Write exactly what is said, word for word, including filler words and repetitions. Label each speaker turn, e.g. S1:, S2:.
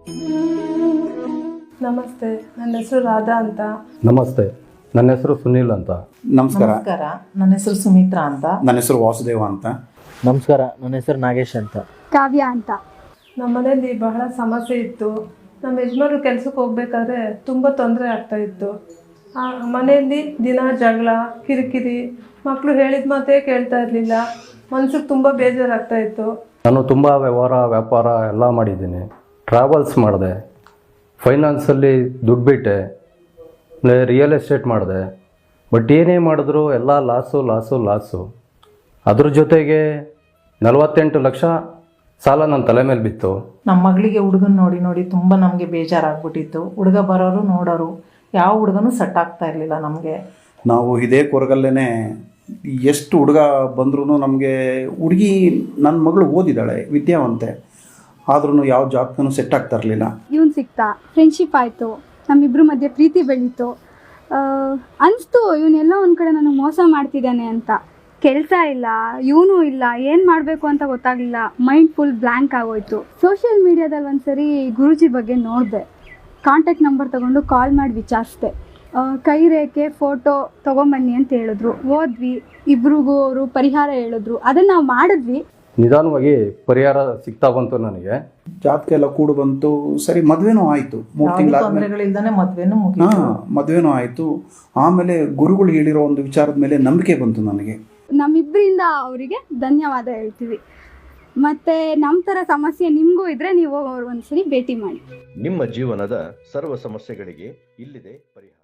S1: ನಮಸ್ತೆ, ನನ್ನ ಹೆಸರು ರಾಧಾ ಅಂತ.
S2: ನಮಸ್ತೆ, ನನ್ನ ಹೆಸರು ಸುನೀಲ್ ಅಂತ.
S3: ನಮಸ್ಕಾರ.
S4: ನಮಸ್ಕಾರ, ನನ್ನ ಹೆಸರು ಸುಮಿತ್ರಾ ಅಂತ.
S3: ನನ್ನ ಹೆಸರು ವಾಸುದೇವ ಅಂತ.
S5: ನಮಸ್ಕಾರ, ನನ್ನ ಹೆಸರು ನಾಗೇಶ್ ಅಂತ.
S6: ಕಾವ್ಯ ಅಂತ.
S1: ನಮ್ಮ ಮನೆಯಲ್ಲಿ ಬಹಳ ಸಮಸ್ಯೆ ಇತ್ತು. ನಮ್ಮ ಯಜಮಾನರು ಕೆಲಸಕ್ಕೆ ಹೋಗ್ಬೇಕಾದ್ರೆ ತುಂಬ ತೊಂದರೆ ಆಗ್ತಾಯಿತ್ತು. ಆ ಮನೆಯಲ್ಲಿ ದಿನ ಜಗಳ, ಕಿರಿಕಿರಿ, ಮಕ್ಕಳು ಹೇಳಿದ ಮಾತೇ ಕೇಳ್ತಾ ಇರಲಿಲ್ಲ. ಮನ್ಸಿಗೆ ತುಂಬ ಬೇಜಾರಾಗ್ತಾಯಿತ್ತು.
S2: ನಾನು ತುಂಬ ವ್ಯವಹಾರ ವ್ಯಾಪಾರ ಎಲ್ಲ ಮಾಡಿದ್ದೀನಿ. ಟ್ರಾವೆಲ್ಸ್ ಮಾಡಿದೆ, ಫೈನಾನ್ಸಲ್ಲಿ ದುಡ್ಡು ಬಿಟ್ಟೆ, ರಿಯಲ್ ಎಸ್ಟೇಟ್ ಮಾಡಿದೆ. ಬಟ್ ಏನೇ ಮಾಡಿದ್ರು ಎಲ್ಲ ಲಾಸು ಲಾಸು ಲಾಸು. ಅದ್ರ ಜೊತೆಗೆ ನಲವತ್ತೆಂಟು ಲಕ್ಷ ಸಾಲ ನನ್ನ ತಲೆ ಮೇಲೆ ಬಿತ್ತು.
S4: ನಮ್ಮ ಮಗಳಿಗೆ ಹುಡುಗನ ನೋಡಿ ನೋಡಿ ತುಂಬ ನಮಗೆ ಬೇಜಾರಾಗ್ಬಿಟ್ಟಿತ್ತು. ಹುಡುಗ ಬರೋರು ನೋಡೋರು, ಯಾವ ಹುಡುಗನೂ ಸೆಟ್ ಆಗ್ತಾ ಇರಲಿಲ್ಲ ನಮಗೆ.
S3: ನಾವು ಇದೇ ಕೊರಗಲ್ಲೇ ಎಷ್ಟು ಹುಡುಗ ಬಂದ್ರೂ ನಮಗೆ ಹುಡುಗಿ, ನನ್ನ ಮಗಳು ಓದಿದ್ದಾಳೆ, ವಿದ್ಯಾವಂತೆ, ಆದ್ರೂ ಯಾವ ಜಾಬ್ಗೂ ಸೆಟ್ ಆಗ್ತಾ ಇರಲಿಲ್ಲ.
S6: ಇವನು ಸಿಕ್ತಾ, ಫ್ರೆಂಡ್ಶಿಪ್ ಆಯಿತು, ನಮ್ಮಿಬ್ಬರ ಮಧ್ಯೆ ಪ್ರೀತಿ ಬೆಳೀತು. ಅನಿಸ್ತು ಇವನ್ನೆಲ್ಲ ಒಂದು ಕಡೆ ನನಗೆ ಮೋಸ ಮಾಡ್ತಿದ್ದಾನೆ ಅಂತ. ಕೆಲಸ ಇಲ್ಲ, ಇವನು ಇಲ್ಲ, ಏನು ಮಾಡಬೇಕು ಅಂತ ಗೊತ್ತಾಗಲಿಲ್ಲ. ಮೈಂಡ್ ಫುಲ್ ಬ್ಲ್ಯಾಂಕ್ ಆಗೋಯ್ತು. ಸೋಷಿಯಲ್ ಮೀಡಿಯಾದಲ್ಲಿ ಒಂದು ಸರಿ ಗುರೂಜಿ ಬಗ್ಗೆ ನೋಡಿದೆ. ಕಾಂಟ್ಯಾಕ್ಟ್ ನಂಬರ್ ತೊಗೊಂಡು ಕಾಲ್ ಮಾಡಿ ವಿಚಾರಿಸಿದೆ. ಕೈ ರೇಖೆ ಫೋಟೋ ತೊಗೊಂಬನ್ನಿ ಅಂತ ಹೇಳಿದ್ರು. ಹೋದ್ವಿ, ಇಬ್ರಿಗೂ ಅವರು ಪರಿಹಾರ ಹೇಳಿದ್ರು. ಅದನ್ನು ನಾವು ಮಾಡಿದ್ವಿ.
S2: ನಿಧಾನವಾಗಿ ಪರಿಹಾರ ಸಿಗ್ತಾ ಬಂತು ನನಗೆ.
S3: ಜಾತಕ ಎಲ್ಲ ಕೂಡು ಬಂತು. ಸರಿ, ಮದುವೆನೂ ಆಯಿತು. ಮೂರು ತಿಂಗಳಾದ್ಮೇಲೆ
S4: ತೊಂದರೆಗಳಿಲ್ದಾನೆ ಮದುವೆನೂ
S3: ಹಾಂ
S4: ಮುಗಿತು.
S3: ಮದುವೆನೂ ಆಯಿತು. ಆಮೇಲೆ ಗುರುಗಳು ಹೇಳಿರೋ ಒಂದು ವಿಚಾರದ ಮೇಲೆ ನಂಬಿಕೆ ಬಂತು ನನಗೆ.
S6: ನಮ್ಮಿಬ್ಬರಿಂದ ಅವರಿಗೆ ಧನ್ಯವಾದ ಹೇಳ್ತೀವಿ. ಮತ್ತು ನಮ್ಮ ಥರ ಸಮಸ್ಯೆ ನಿಮಗೂ ಇದ್ದರೆ ನೀವು ಅವ್ರು ಒಂದ್ಸರಿ ಭೇಟಿ ಮಾಡಿ.
S7: ನಿಮ್ಮ ಜೀವನದ ಸರ್ವ ಸಮಸ್ಯೆಗಳಿಗೆ ಇಲ್ಲಿದೆ ಪರಿಹಾರ.